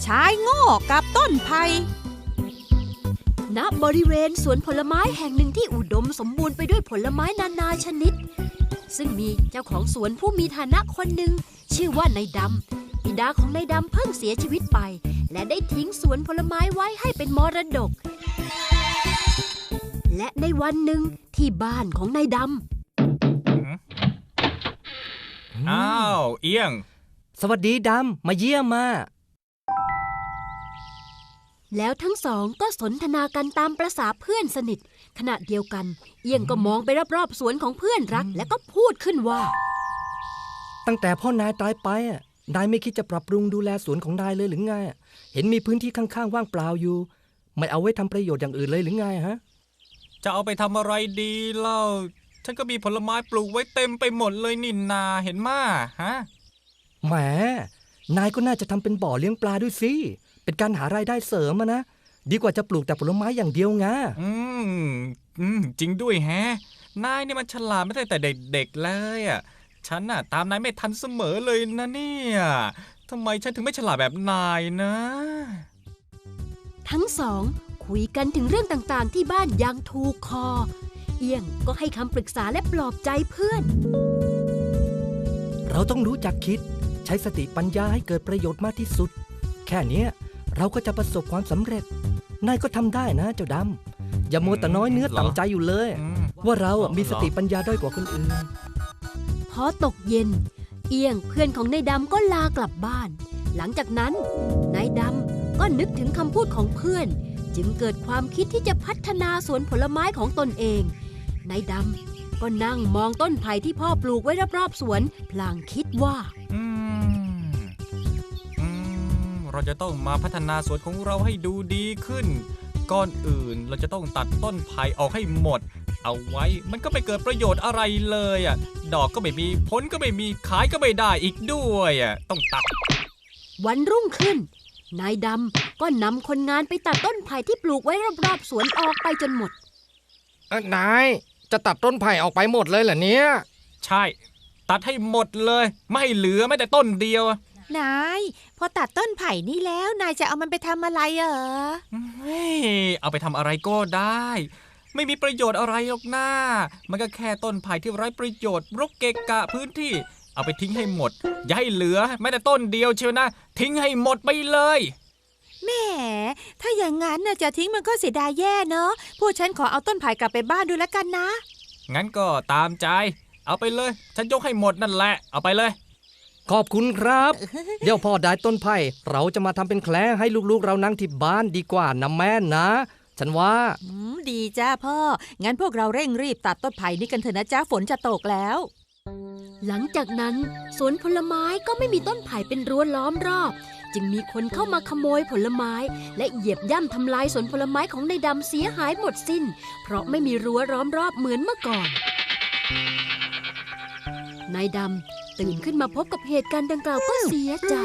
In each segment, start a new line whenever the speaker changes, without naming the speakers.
ชายโง่กับต้นไผ่
ณบริเวณสวนผลไม้แห่งหนึ่งที่อุดมสมบูรณ์ไปด้วยผลไม้นานาชนิดซึ่งมีเจ้าของสวนผู้มีฐานะคนหนึ่งชื่อว่านายดำบิดาของนายดำเพิ่งเสียชีวิตไปและได้ทิ้งสวนผลไม้ไว้ให้เป็นมรดกและในวันหนึ่งที่บ้านของนายด
ำอ้าวเอี้ยง
สวัสดีดำมาเยี่ยมมา
แล้วทั้งสองก็สนทนากันตามประสาเพื่อนสนิทขณะเดียวกันเอี้ยงก็มองไปรอบๆสวนของเพื่อนรักและก็พูดขึ้นว่า
ตั้งแต่พ่อนายตายไปนายไม่คิดจะปรับปรุงดูแลสวนของนายเลยหรือไงเห็นมีพื้นที่ข้างๆว่างเปล่าอยู่ไม่เอาไว้ทำประโยชน์อย่างอื่นเลยหรือไงฮะ
จะเอาไปทำอะไรดีเล่าฉันก็มีผลไม้ปลูกไว้เต็มไปหมดเลยนินนาเห็นมาฮะ
แหมนายก็น่าจะทำเป็นบ่อเลี้ยงปลาด้วยสิเป็นการหารายได้เสริมนะดีกว่าจะปลูกแต่ผลไม้อย่างเดียวไง
จริงด้วยแฮะนายนี่มันฉลาดไม่ได้แต่เด็กๆเลยอ่ะฉันน่ะตามนายไม่ทันเสมอเลยนะเนี่ยทำไมฉันถึงไม่ฉลาดแบบนายนะ
ทั้งสองคุยกันถึงเรื่องต่างๆที่บ้านอย่างถูกคอเอี้ยงก็ให้คำปรึกษาและปลอบใจเพื่อน
เราต้องรู้จักคิดใช้สติปัญญาให้เกิดประโยชน์มากที่สุดแค่นี้เราก็จะประสบความสำเร็จนายก็ทำได้นะเจ้าดำอย่ามัวแต่น้อยเนื้อต่ำใจอยู่เลยว่าเรามีสติปัญญาด้อยกว่าคนอื่น
พอตกเย็นเอี้ยงเพื่อนของนายดำก็ลากลับบ้านหลังจากนั้นนายดำก็นึกถึงคำพูดของเพื่อนจึงเกิดความคิดที่จะพัฒนาสวนผลไม้ของตนเองนายดำก็นั่งมองต้นไผ่ที่พ่อปลูกไว้รอบๆสวนพลางคิดว่า
เราจะต้องมาพัฒนาสวนของเราให้ดูดีขึ้นก่อนอื่นเราจะต้องตัดต้นไผ่ออกให้หมดเอาไว้มันก็ไม่เกิดประโยชน์อะไรเลยอ่ะดอกก็ไม่มีผลก็ไม่มีขายก็ไม่ได้อีกด้วยอ่ะต้องตัด
วันรุ่งขึ้นนายดำก็นำคนงานไปตัดต้นไผ่ที่ปลูกไว้รอบๆสวนออกไปจนหมด
นายจะตัดต้นไผ่ออกไปหมดเลยเหรอเนี่ย
ใช่ตัดให้หมดเลยไม่ให้เหลือแม้แต่ต้นเดียวน
ายพอตัดต้นไผ่นี่แล้วนายจะเอามันไปทำอะไร
เอาไปทำอะไรก็ได้ไม่มีประโยชน์อะไรหรอกนะมันก็แค่ต้นไผ่ที่ไร้ประโยชน์รกเกะกะพื้นที่เอาไปทิ้งให้หมดอย่าให้เหลือแม้แต่ต้นเดียวเชียวนะทิ้งให้หมดไปเลย
แหมถ้าอย่างนั้นน่ะจะทิ้งมันก็เสียดายแย่เนอะพวกฉันขอเอาต้นไผ่กลับไปบ้านดูแล้วกันนะ
งั้นก็ตามใจเอาไปเลยฉันยกให้หมดนั่นแหละเอาไปเลย
ขอบคุณครับเดี๋ยวพ่อได้ต้นไผ่เราจะมาทำเป็นแคลให้ลูกๆเรานั่งที่บ้านดีกว่านะแม่นะฉันว่า
ดีจ้าพ่องั้นพวกเราเร่งรีบตัดต้นไผ่นี่กันเถอะนะจ้าฝนจะตกแล้ว
หลังจากนั้นสวนผลไม้ก็ไม่มีต้นไผ่เป็นรั้วล้อมรอบจึงมีคนเข้ามาขโมยผลไม้และเหยียบย่ำทำลายสวนผลไม้ของนายดำเสียหายหมดสิ้นเพราะไม่มีรั้วล้อมรอบเหมือนเมื่อก่อนนายดำตื่นขึ้นมาพบกับเหตุการณ์ดังกล่าวก็เสียใจ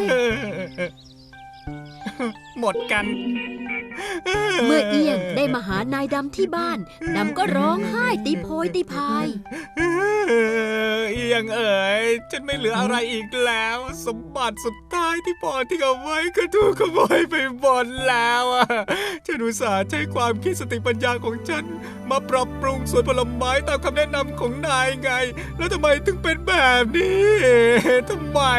หมดกัน
เมื่อเอี้ยงได้มาหานายดำที่บ้านดำก็ร้องไห้ตีโพยตีพาย
เอี้ยงเอ๋ยฉันไม่เหลืออะไรอีกแล้วสมบัติสุดท้ายที่พ่อทิ้งเอาไว้ก็ถูกขโมยไปหมดแล้วฉันอุตส่าห์ใช้ความคิดสติปัญญาของฉันมาปรับปรุงสวนผลไม้ตามคำแนะนำของนายไงแล้วทำไมถึงเป็นแบบนี้ทำไม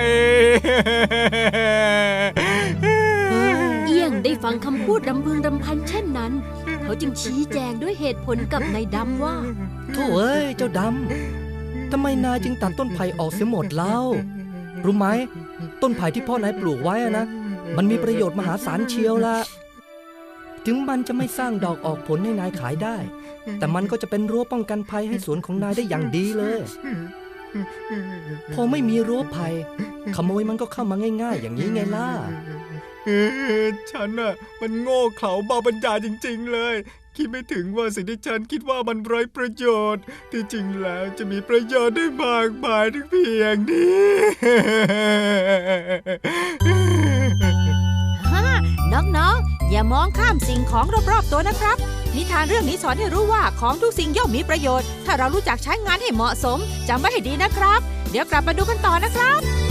เอี้ยงได้ฟังคำพูดรำพึงรำพันเช่นนั้นเขาจึงชี้แจงด้วยเหตุผลกับนายดำว่า
โธ่เอ้ยเจ้าดำทำไมนายจึงตัดต้นไผ่ออกเสียหมดเล่ารู้ไหมต้นไผ่ที่พ่อนายปลูกไว้นะมันมีประโยชน์มหาศาลเชียวละถึงมันจะไม่สร้างดอกออกผลให้นายขายได้แต่มันก็จะเป็นรั้วป้องกันภัยให้สวนของนายได้อย่างดีเลยพอไม่มีรั้วภัยขโมยมันก็เข้ามาง่ายๆอย่างนี้ไงล่ะ
ฉันน่ะมันโง่เขลาเบาปัญญาจริงๆเลยคิดไม่ถึงว่าสิ่งที่ฉันคิดว่ามันไร้ประโยชน์ที่จริงแล้วจะมีประโยชน์ได้มากมายถึงเพียงนี้
น้องๆอย่ามองข้ามสิ่งของรอบๆตัวนะครับนิทานเรื่องนี้สอนให้รู้ว่าของทุกสิ่งย่อมมีประโยชน์ถ้าเรารู้จักใช้งานให้เหมาะสมจำไว้ให้ดีนะครับเดี๋ยวกลับมาดูกันต่อนะครับ